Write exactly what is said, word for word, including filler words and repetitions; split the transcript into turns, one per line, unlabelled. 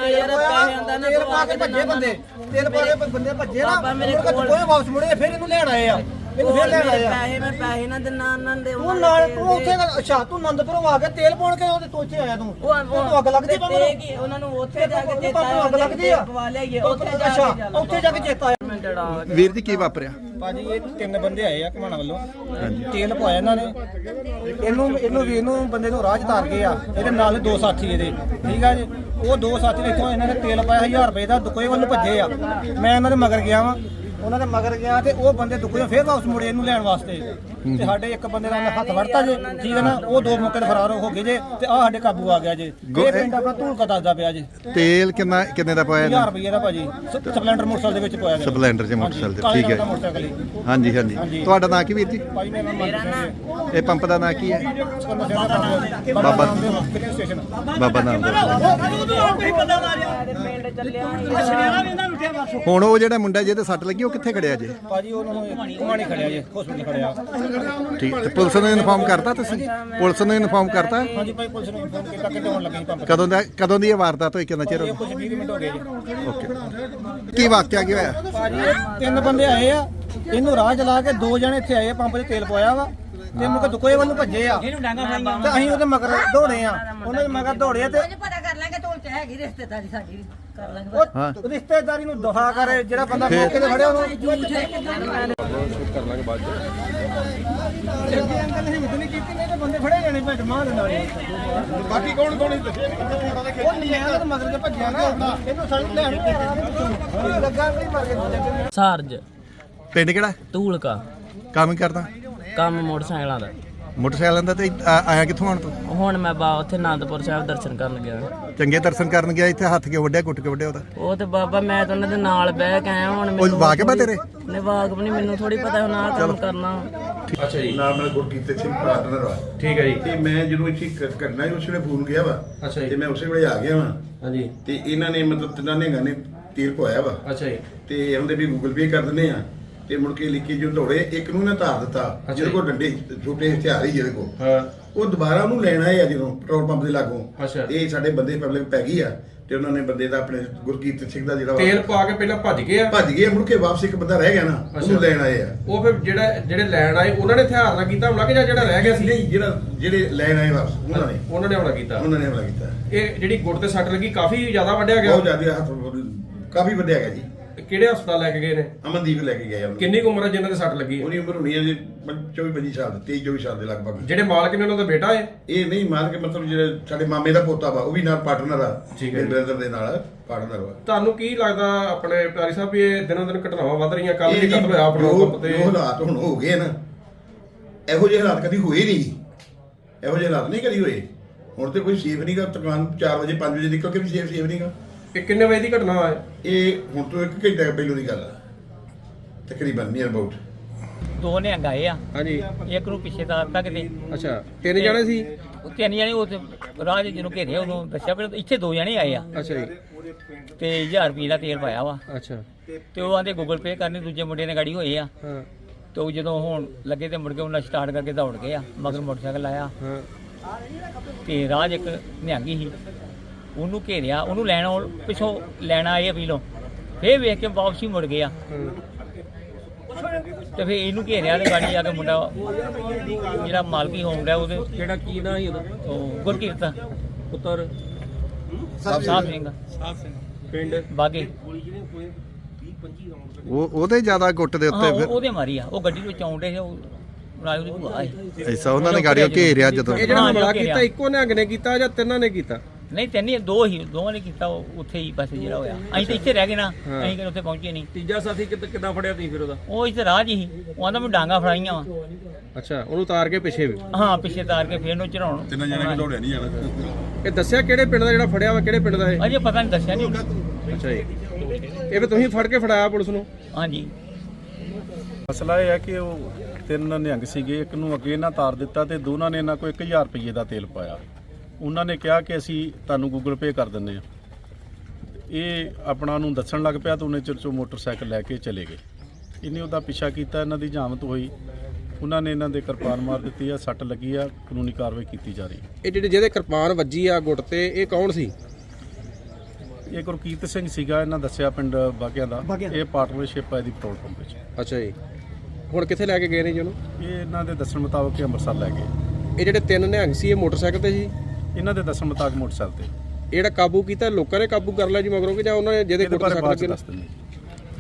ਯਾਰ ਪੈਸੇ ਆਂਦਾ ਨਾ
ਤੇਲ ਪਾ ਕੇ ਭੱਜੇ ਬੰਦੇ ਤੇਲ ਪਾ ਕੇ ਬੰਦੇ ਭੱਜੇ ਨਾ ਮੇਰੇ ਕੋਲ ਕੋਈ ਵਾਪਸ ਮੁੜੇ ਫਿਰ ਇਹਨੂੰ ਲੈਣ ਆਏ ਆ ਇਹਨੂੰ ਫਿਰ ਲੈਣ ਆਏ ਆ
ਪੈਸੇ ਮੈਂ ਪੈਸੇ ਨਾ ਦਿਨਾ ਉਹਨਾਂ ਦੇ
ਤੂੰ ਨਾਲ ਤੂੰ ਉੱਥੇ ਅੱਛਾ ਤੂੰ ਆਨੰਦਪੁਰੋਂ ਆ ਕੇ ਤੇਲ ਪਾਉਣ ਕੇ ਉਹਦੇ ਤੋਚੇ ਆਇਆ ਤੂੰ ਤੂੰ ਅੱਗ ਲੱਗਦੀ ਬੰਦੇ
ਤੇ ਕੀ ਉਹਨਾਂ ਨੂੰ ਉੱਥੇ ਜਾ ਕੇ ਚੇਤਾ ਆਇਆ
ਅੱਗ ਲੱਗਦੀ ਆ
ਪਵਾ ਲਿਆਈਏ ਉੱਥੇ ਜਾ
ਅੱਛਾ
ਕੇ
ਉੱਥੇ ਜਾ ਕੇ ਚੇਤਾ ਆਇਆ
ਵੀਰ ਜੀ ਕੀ ਵਾਪਰਿਆ?
ਭਾਜੀ ਇਹ ਤਿੰਨ ਬੰਦੇ ਆਏ ਆ ਘਮਾਣਾ ਵੱਲੋਂ ਤੇਲ ਪਵਾਇਆ ਇਹਨਾਂ ਨੇ ਇਹਨੂੰ ਇਹਨੂੰ ਵੀ ਇਹਨੂੰ ਬੰਦੇ ਨੂੰ ਰਾਹ ਚ ਤਾਰ ਗਏ ਆ ਇਹਦੇ ਨਾਲ ਦੋ ਸਾਥੀ ਇਹਦੇ ਠੀਕ ਆ ਜੀ ਉਹ ਦੋ ਸਾਥੀ ਨੇ ਇੱਥੋਂ ਇਹਨਾਂ ਨੇ ਤੇਲ ਪਾਇਆ ਹਜ਼ਾਰ ਰੁਪਏ ਦਾ ਦੁਕੋਏ ਵੱਲ ਭੱਜੇ ਆ ਮੈਂ ਇਹਨਾਂ ਦੇ ਮਗਰ ਗਿਆ ਵਾਂ ਉਹਨਾਂ ਦੇ ਮਗਰ ਗਿਆ ਤੇ ਉਹ ਬੰਦੇ ਦੁਕੋਏ ਫੇਰ ਵਾਪਸ ਮੁੜੇ ਇਹਨੂੰ ਲੈਣ ਵਾਸਤੇ ਤੇ ਸਾਡੇ ਇੱਕ ਬੰਦੇ ਦਾ ਹੱਥ ਵੜਤਾ ਜੇ ਠੀਕ ਹੈ ਨਾ ਉਹ ਦੋ ਮੌਕੇ ਤੇ ਫਰਾਰ ਹੋ ਗਏ ਜੇ ਤੇ ਆ ਸਾਡੇ ਕਾਬੂ ਆ ਗਿਆ ਜੇ ਇਹ ਪਿੰਡ ਆਪਣਾ ਧੂਲਕਾ ਦੱਸਦਾ ਪਿਆ ਜੇ
ਤੇਲ ਕਿੰਨਾ ਕਿੰਨੇ ਦਾ ਪਾਇਆ?
ਹਜ਼ਾਰ ਰੁਪਏ ਦਾ ਭਾਜੀ ਸਪਲੈਂਡਰ ਮੋਟਰਸਾਈਕਲ ਦੇ ਵਿੱਚ ਪਾਇਆ ਗਿਆ
ਸਪਲੈਂਡਰ 'ਚ ਮੋਟਰਸਾਈਕਲ ਤੇ ਠੀਕ ਹੈ
ਮੋਟਰਸਾਈਕਲ
ਹਾਂਜੀ ਹਾਂਜੀ ਤੁਹਾਡਾ ਨਾਂ ਕੀ ਵੀਰ ਜੀ?
ਭਾਜੀ ਮੇਰਾ ਨਾਮ
ਇਹ ਪੰਪ ਦਾ ਨਾਂ ਕੀ ਹੈ?
ਬਾਬਾ
ਸਟੇਸ਼ਨ ਬਾਬਾ ਨਾਮ ਹੁਣ ਉਹ ਜਿਹੜਾ ਮੁੰਡਾ ਜਿਹਦੇ ਸੱਟ ਲੱਗੀ ਉਹ ਕਿੱਥੇ ਖੜਿਆ ਜੇ?
ਭਾਜੀ ਉਹਨਾਂ ਨੂੰ ਘੁਮਾਣੀ ਖੜਿਆ ਜੇ ਹਸਪੀਟਲ ਖੜਿਆ
ਠੀਕ ਤੇ ਪੁਲਿਸ ਨੂੰ ਇਨਫਾਰਮ ਕਰਤਾ ਤੁਸੀਂ? ਪੁਲਿਸ ਨੂੰ ਇਨਫਾਰਮ ਕਰਤਾ?
ਹਾਂਜੀ ਭਾਈ ਪੁਲਿਸ ਨੂੰ ਇਨਫੋਰਮ ਕੀਤਾ ਕਿ ਹੋਣ ਲੱਗੀ ਪੰਪ
ਕਦੋਂ ਦਾ ਕਦੋਂ ਦੀ ਇਹ ਵਾਰਦਾਤ ਹੋਈ ਕਿੰਨਾ ਚਿਰ ਹੋ
ਇਹ ਕੁਝ ਵੀਹ ਮਿੰਟ ਹੋ ਗਏ ਜੀ
ਓਕੇ ਕੀ ਵਾਕਿਆ ਕੀ ਹੋਇਆ?
ਭਾਜੀ ਇਹ ਤਿੰਨ ਬੰਦੇ ਆਏ ਆ ਇਹਨੂੰ ਰਾਹ ਚਲਾ ਕੇ ਦੋ ਜਣੇ ਇੱਥੇ ਆਏ ਆ ਪੰਪ 'ਚ ਤੇਲ ਪਵਾਇਆ ਵਾ ਤੇ ਮੁਕ ਦੁਕੋਏ ਵੱਲ ਨੂੰ ਭੱਜੇ ਆ ਤੇ ਅਸੀਂ ਉਹਦੇ ਮਗਰ ਦੌੜੇ ਆ ਉਹਨਾਂ ਦੇ ਮਗਰ ਦੌੜੇ ਤੇ
ਪਤਾ ਕਰ ਲਾਂਗੇ ਢੋਲ ਚ ਹੈਗੀ ਰਿਸ਼ਤੇਦਾਰੀ ਸਾਡੀ ਕਰ ਲਾਂਗੇ
ਉਹ ਰਿਸ਼ਤੇਦਾਰੀ ਨੂੰ ਦੁਹਾ ਕਰੇ ਜਿਹੜਾ ਬੰਦਾ ਮੌਕੇ ਤੇ ਫੜਿਆ ਉਹਨੂੰ
ਕਰ ਲਾਂਗੇ ਬਾਅਦ ਚ
ਅੰਕਲ ਹਿੰਮਤ ਨਹੀਂ ਕੀਤੀ ਨਹੀਂ ਤੇ ਬੰਦੇ ਫੜੇ ਜਾਣੇ ਭੱਜ ਮਾਰ ਦਿੰਦਾ
ਬਾਕੀ ਕੌਣ ਕੌਣ ਦੱਸੇ
ਉਹ ਨਹੀਂ ਆਇਆ ਤੇ ਮਗਰ ਤੇ ਭੱਜਿਆ ਨਾ ਇਹਨੂੰ ਸੜਕ ਲੈਣ ਲੱਗਾ ਵੀ ਮਰ ਗਿਆ
ਸਾਰਜ
ਪਿੰਡ ਕਿਹੜਾ?
ਧੂਲਕਾ
ਕੰਮ ਹੀ ਕਰਦਾ?
ਕੰਮ ਮੋਟਰਸਾਈਕਲਾਂ ਦਾ।
ਮੋਟਰਸਾਈਕਲਾਂ ਦਾ ਤੇ ਆ- ਆਇਆ ਕਿੱਥੋਂ ਆਣ ਤੂੰ?
ਹੁਣ ਮੈਂ ਬਾ ਉੱਥੇ ਆਨੰਦਪੁਰ ਸਾਹਿਬ ਦਰਸ਼ਨ ਕਰਨ ਗਿਆ।
ਚੰਗੇ ਦਰਸ਼ਨ ਕਰਨ ਗਿਆ ਇੱਥੇ ਹੱਥ ਕਿਉਂ ਵੱਢਿਆ ਗੁੱਟ ਕੇ ਵੱਢਿਆ ਉਹਦਾ?
ਉਹ ਤੇ ਬਾਬਾ ਮੈਂ ਤਾਂ ਉਹਨਾਂ ਦੇ ਨਾਲ ਬਹਿ ਕੇ ਆਇਆ ਹੁਣ
ਉਹ ਵਾਕਿਬ ਆ ਤੇਰੇ?
ਨੇ ਵਾਕਬ ਨਹੀਂ ਮੈਨੂੰ ਥੋੜੀ ਪਤਾ ਹੁਣ ਆਹ ਕੰਮ ਕਰਨਾ।
ਅੱਛਾ ਜੀ
ਨਾਮ ਨਾਲ ਗੁਰਕੀਰਤ ਸਿੰਘ ਪਾਰਟਨਰ ਵਾ
ਠੀਕ ਹੈ ਜੀ
ਤੇ ਮੈਂ ਜਦੋਂ ਇੱਥੇ ਕ- ਕਰਨਾ ਸੀ ਉਸ ਵੇਲੇ ਫੋਨ ਗਿਆ ਵਾ
ਅੱਛਾ ਜੀ।
ਤੇ ਮੈਂ ਉਸੇ ਵੇਲੇ ਆ ਗਿਆ ਵਾ
ਹਾਂਜੀ
ਤੇ ਇਹਨਾਂ ਨੇ ਮਤਲਬ ਤਿੰਨਾਂ ਨੇ ਗਾਣੇ ਤੀਰ ਪਵਾਇਆ ਵਾ
ਅੱਛਾ ਜੀ
ਤੇ ਉਹਦੇ ਵੀ ਗੂਗਲ ਪੇ ਕਰ ਦਿੰਦੇ ਆ ਤੇ ਮੁੜ ਕੇ ਲਿਖੀ ਜੋ ਦੌੜੇ ਇੱਕ ਨੂੰ ਨਾ ਧਾਰ ਦਿੱਤਾ ਜਿਹਦੇ ਕੋਲ ਡੰਡੇ ਛੋਟੇ ਹਥਿਆਰ ਹੀ ਜਿਹਦੇ ਕੋਲ
ਹਾਂ
ਉਹ ਦੁਬਾਰਾ ਉਹਨੂੰ ਲੈਣ ਆਏ ਆ ਜਦੋਂ ਪੈਟਰੋਲ ਪੰਪ ਦੇ ਲਾਗੋਂ
ਅੱਛਾ।
ਇਹ ਸਾਡੇ ਬੰਦੇ ਪਬਲਿਕ ਪੈ ਗਈ ਆ ਤੇ ਉਹਨਾਂ ਨੇ ਬੰਦੇ ਦਾ ਆਪਣੇ ਗੁਰਕੀਰਤ ਸਿੰਘ ਦਾ ਜਿਹੜਾ ਵਾ
ਤੇਲ ਪਾ ਕੇ ਪਹਿਲਾਂ ਭੱਜ ਗਏ ਆ
ਭੱਜ ਗਏ ਮੁੜ ਕੇ ਵਾਪਸ ਇੱਕ ਬੰਦਾ ਰਹਿ ਗਿਆ ਨਾ ਉਹਨੂੰ ਲੈਣ ਆਏ ਆ
ਉਹ ਫਿਰ ਜਿਹੜਾ ਜਿਹੜੇ ਲੈਣ ਆਏ ਉਹਨਾਂ ਨੇ ਹਥਿਆਰ ਨਾਲ ਕੀਤਾ ਹਮਲਾ ਕਿ ਜਾਂ ਜਿਹੜਾ ਰਹਿ ਗਿਆ ਸੀ
ਨਹੀਂ ਜਿਹੜਾ ਜਿਹੜੇ ਲੈਣ ਆਏ ਵਾਪਸ ਉਹਨਾਂ ਨੇ
ਉਹਨਾਂ ਨੇ ਹਮਲਾ ਕੀਤਾ।
ਉਹਨਾਂ ਨੇ ਹਮਲਾ ਕੀਤਾ
ਇਹ ਜਿਹੜੀ ਗੁੱਟ ਤੇ ਸੱਟ ਲੱਗੀ ਕਾਫੀ ਜ਼ਿਆਦਾ ਵੱਢਿਆ ਗਿਆ।
ਬਹੁਤ ਜ਼ਿਆਦਾ ਹੱਥ ਕਾਫੀ ਵੱਡਿਆ ਗਿਆ ਜੀ।
ਕਿਹੜੇ ਹਸਪਤਾਲ ਲੈ ਕੇ ਗਏ ਨੇ?
ਅਮਨਦੀਪ ਲੈ ਕੇ ਗਏ ਉਹਨੂੰ।
ਕਿੰਨੀ ਕੁ ਉਮਰ ਹੈ ਜਿਨ੍ਹਾਂ ਦੇ ਸੱਟ ਲੱਗੀ ਹੈ?
ਉਹਦੀ ਉਮਰ ਹੋਣੀ ਹੈ ਜੀ ਚੌਵੀ ਪੱਚੀ ਸਾਲ ਦੀ ਤੇਈ ਚੌਵੀ ਸਾਲ ਦੇ ਲਗਭਗ।
ਜਿਹੜੇ ਮਾਲਕ ਨੇ ਉਹਨਾਂ ਦਾ ਬੇਟਾ ਹੈ?
ਇਹ ਨਹੀਂ ਮਾਰ ਕੇ ਮਤਲਬ ਜਿਹੜੇ ਸਾਡੇ ਮਾਮੇ ਦਾ ਪੋਤਾ ਵਾ ਉਹ ਵੀ ਨਾਲ ਪਾਰਟਨਰ ਆ
ਠੀਕ ਹੈ ਜੀ।
ਬ੍ਰਦਰ ਦੇ ਨਾਲ ਪਾਰਟਨਰ ਵਾ।
ਤੁਹਾਨੂੰ ਕੀ ਲੱਗਦਾ ਆਪਣੇ ਪਿਆਰੀ ਸਾਹਿਬ ਵੀ ਇਹ ਦਿਨੋਂ ਦਿਨ ਘਟਨਾਵਾਂ ਵੱਧ ਰਹੀਆਂ? ਕੱਲ
ਇਹ
ਵੀ
ਜੀ
ਕਤਲ ਹੋਇਆ ਪੈਟਰੋਲ
ਜੋ-
ਪੰਪ ਤੇ।
ਜੋ ਹਾਲਾਤ ਹੁਣ ਹੋ ਗਏ ਨਾ ਇਹੋ ਜਿਹੇ ਹਾਲਾਤ ਕਦੀ ਹੋਏ ਨਹੀਂ। ਇਹੋ ਜਿਹੇ ਹਾਲਾਤ ਨਹੀਂ ਕਦੀ ਹੋਏ। ਹੁਣ ਤੇ ਕੋਈ ਸੇਫ ਨਹੀਂਗਾ। ਦੁਕਾਨ ਚਾਰ ਵਜੇ ਪੰਜ ਵਜੇ ਨਿਕਲ ਕੇ ਵੀ ਸੇਫ ਸੇਫ ਨਹੀਂਗਾ।
ਇਹ ਕਿੰਨੇ ਵਜੇ ਦੀ ਘਟਨਾ ਹੈ?
ਇਹ ਹੁਣ ਤੋਂ ਇੱਕ ਘੰਟੇ ਪਹਿਲੋਂ ਦੀ ਗੱਲ ਆ ਤਕਰੀਬਨ ਨੀਅਰ ਅਬਾਊਟ।
ਦੋ ਨੇ ਗਾਏ ਆ
ਹਾਂਜੀ
ਇੱਕ ਨੂੰ ਪਿੱਛੇ ਤਾਰ ਤੱਕ ਦੇ
ਅੱਛਾ ਤਿੰਨ ਜਣੇ ਸੀ?
ਉਹ ਤਿੰਨ ਜਣੇ ਉਹ ਤੇ ਰਾਜ ਜਿਹਨੂੰ ਘੇਰਿਆ ਉਦੋਂ ਦੱਸਿਆ ਪਰ ਇੱਥੇ ਦੋ ਜਣੇ ਆਏ ਆ
ਅੱਛਾ ਜੀ
ਤੇ ਹਜ਼ਾਰ ਰੁਪਏ ਦਾ ਤੇਲ ਪਾਇਆ ਵਾ
ਅੱਛਾ
ਤੇ ਉਹ ਆਂਦੇ ਗੂਗਲ ਪੇ ਕਰਨੀ ਦੂਜੇ ਮੁੰਡੇ ਨੇ ਗਾੜੀ ਹੋਏ ਆ
ਹਾਂ
ਤੇ ਉਹ ਜਦੋਂ ਹੁਣ ਲੱਗੇ ਤੇ ਮੁੜ ਕੇ ਉਹਨਾਂ ਸਟਾਰਟ ਕਰਕੇ ਦੌੜ ਗਏ ਆ ਮਗਰ ਮੋਟਰਸਾਈਕਲ ਆਇਆ
ਹਾਂ
ਤੇ ਰਾਜ ਇੱਕ ਨਿਹੰਗੀ ਸੀ ਉਹਨੂੰ ਘੇਰਿਆ ਉਹਨੂੰ ਲੈਣ ਆਉਣ- ਪਿੱਛੋਂ ਲੈਣ ਆਏ ਆ ਪੀਲੋਂ ਫੇਰ ਵੇਖ ਕੇ ਵਾਪਸੀ ਮੁੜ ਗਿਆ ਤੇ ਫੇਰ ਇਹਨੂੰ ਘੇਰਿਆ ਤੇ ਗਾੜੀ ਆ ਕੇ ਮੁੰਡਾ ਜਿਹੜਾ ਮਾਲਕੀ ਹੋਮ ਦਾ ਉਹਦੇ
ਕਿਹੜਾ ਕੀ ਨਾਂ ਸੀ ਉਹਦਾ?
ਉਹ ਗੁਰਕੀਰਤ
ਪੁੱਤਰ
ਸਾਹਿਬ ਸਿੰਘ
ਪਿੰਡ
ਬਾਗੇ
ਉਹ ਉਹਦੇ ਜ਼ਿਆਦਾ ਗੁੱਟ ਦੇ
ਹਾਂ
ਉੱਤੇ
ਉਹ-
ਫਿਰ
ਉਹਦੇ ਮਾਰੀ ਆ ਉਹ ਗੱਡੀ ਵਿੱਚ ਆਉਂਦੇ ਸੀ ਉਹ ਰਾਜੂ ਦੀ ਭੂਆ ਸੀ
ਐਸਾ ਉਹਨਾਂ ਨੇ ਗਾੜੀਓ ਘੇਰਿਆ ਜਦੋਂ।
ਇਹ ਜਿਹੜਾ
ਹਾਂ,
ਹਮਲਾ
ਜੋ ਘੇਰਿਆ।
ਕੀਤਾ ਇੱਕੋ ਨਿਹੰਗ ਨੇ ਕੀਤਾ ਜਾਂ ਤਿੰਨਾਂ ਨੇ ਕੀਤਾ?
ਨਹੀਂ ਤੈਨੂੰ ਦੋ ਹੀ ਦੋਵਾਂ ਨੇ ਕੀਤਾ ਉਹ ਉੱਥੇ ਹੀ ਬਸ ਜਿਹੜਾ ਹੋਇਆ ਅਸੀਂ ਤਾਂ ਇੱਥੇ ਰਹਿ ਗਏ ਨਾ
ਹਾਂ।
ਅਸੀਂ ਕਿ ਉੱਥੇ ਪਹੁੰਚੇ ਨਹੀਂ
ਤੀਜਾ ਸਾਥੀ ਕਿੱਦਾਂ ਫੜਿਆ ਤੁਸੀਂ ਫਿਰ ਉਹਦਾ?
ਉਹ ਇੱਥੇ ਰਾਹ 'ਚ ਹੀ ਉਹ ਆਂਦਾ ਮੈਂ ਡਾਂਗਾ ਫੜਾਈਆਂ ਵਾ
ਅੱਛਾ ਉਹਨੂੰ ਉਤਾਰ ਕੇ ਪਿੱਛੇ ਵੀ?
ਹਾਂ ਪਿੱਛੇ ਤਾਰ ਕੇ ਫੇਰ ਨੂੰ ਚੜਾਉਣ
ਤਿੰਨਾਂ ਜਣੇ ਕਿ ਦੌੜਿਆ ਨਹੀਂ ਜਾਣਾ।
ਇਹ ਦੱਸਿਆ ਕਿਹੜੇ ਪਿੰਡ ਦਾ ਜਿਹੜਾ ਫੜਿਆ ਵਾ ਕਿਹੜੇ ਪਿੰਡ ਦਾ ਇਹ?
ਅਜੇ ਪਤਾ ਨਹੀਂ ਦੱਸਿਆ ਨਹੀਂ
ਅੱਛਾ ਜੀ ਇਹ ਵੀ ਤੁਸੀਂ ਫੜ ਕੇ ਫੜਾਇਆ ਪੁਲਿਸ ਨੂੰ?
ਹਾਂਜੀ
ਮਸਲਾ ਇਹ ਹੈ ਕਿ ਉਹ ਤਿੰਨ ਨਿਹੰਗ ਸੀਗੇ ਇੱਕ ਨੂੰ ਅੱਗੇ ਨਾ ਤਾਰ ਦਿੱਤਾ ਤੇ ਦੋਨਾਂ ਨੇ ਇਹਨਾਂ ਕੋਲ ਇੱਕ ਹਜ਼ਾਰ ਰੁਪਏ ਦਾ ਤੇਲ ਪਾਇਆ। ਉਹਨਾਂ ਨੇ ਕਿਹਾ ਕਿ ਅਸੀਂ ਤੁਹਾਨੂੰ ਗੂਗਲ ਪੇ ਕਰ ਦਿੰਦੇ ਆ। ਇਹ ਆਪਣਾ ਨੂੰ ਦੱਸਣ ਲੱਗ ਪਿਆ ਤਾਂ ਉਹਨੇ ਚਿਰ 'ਚੋਂ ਮੋਟਰਸਾਈਕਲ ਲੈ ਕੇ ਚਲੇ ਗਏ। ਇਹਨੇ ਉਹਦਾ ਪਿੱਛਾ ਕੀਤਾ ਇਹਨਾਂ ਦੀ ਜਾਮਤ ਹੋਈ ਉਹਨਾਂ ਨੇ ਇਹਨਾਂ ਦੇ ਕਿਰਪਾਨ ਮਾਰ ਦਿੱਤੀ ਆ ਸੱਟ ਲੱਗੀ ਆ ਕਾਨੂੰਨੀ ਕਾਰਵਾਈ ਕੀਤੀ ਜਾ ਰਹੀ ਹੈ।
ਇਹ ਜਿਹੜੇ ਜਿਹਦੇ ਕਿਰਪਾਨ ਵੱਜੀ ਆ ਗੁੱਟ ਤੇ ਇਹ ਕੌਣ ਸੀ?
ਇਹ ਗੁਰਕੀਰਤ ਸਿੰਘ ਸੀਗਾ, ਇਹਨਾਂ ਦੱਸਿਆ ਪਿੰਡ ਬਾਗਿਆਂ ਦਾ। ਇਹ ਪਾਰਟਨਰਸ਼ਿਪ ਹੈ ਇਹਦੀ ਪੈਟਰੋਲ ਪੰਪ ਵਿੱਚ।
ਅੱਛਾ ਜੀ, ਹੁਣ ਕਿੱਥੇ ਲੈ ਕੇ ਗਏ ਨੇ ਜੀ ਉਹਨੂੰ?
ਇਹ ਇਹਨਾਂ ਦੇ ਦੱਸਣ ਮੁਤਾਬਕ ਇਹ ਅੰਮ੍ਰਿਤਸਰ ਲੈ ਗਏ।
ਇਹ ਜਿਹੜੇ ਤਿੰਨ ਨਿਹੰਗ ਸੀ ਇਹ ਮੋਟਰਸਾਈਕਲ ਤੇ ਜੀ?
ਇਹਨਾਂ ਦੇ ਦੱਸਣ ਮੁਤਾਬਕ ਮੋਟਰਸਾਈਕਲ ਤੇ।
ਇਹ ਜਿਹੜਾ ਕਾਬੂ ਕੀਤਾ ਲੋਕਾਂ ਨੇ ਕਾਬੂ ਕਰ ਲਿਆ ਜੀ ਮਗਰੋਂ ਕਿ ਜਾਂ ਉਹਨਾਂ ਨੇ ਜਿਹਦੇ
ਇਹਦੇ
ਕੋਲ
ਬਾਰੇ ਬਾਅਦ
ਸੱਟ
ਚ
ਲੱਗੀ?
ਦੱਸ ਦਿੰਦੇ।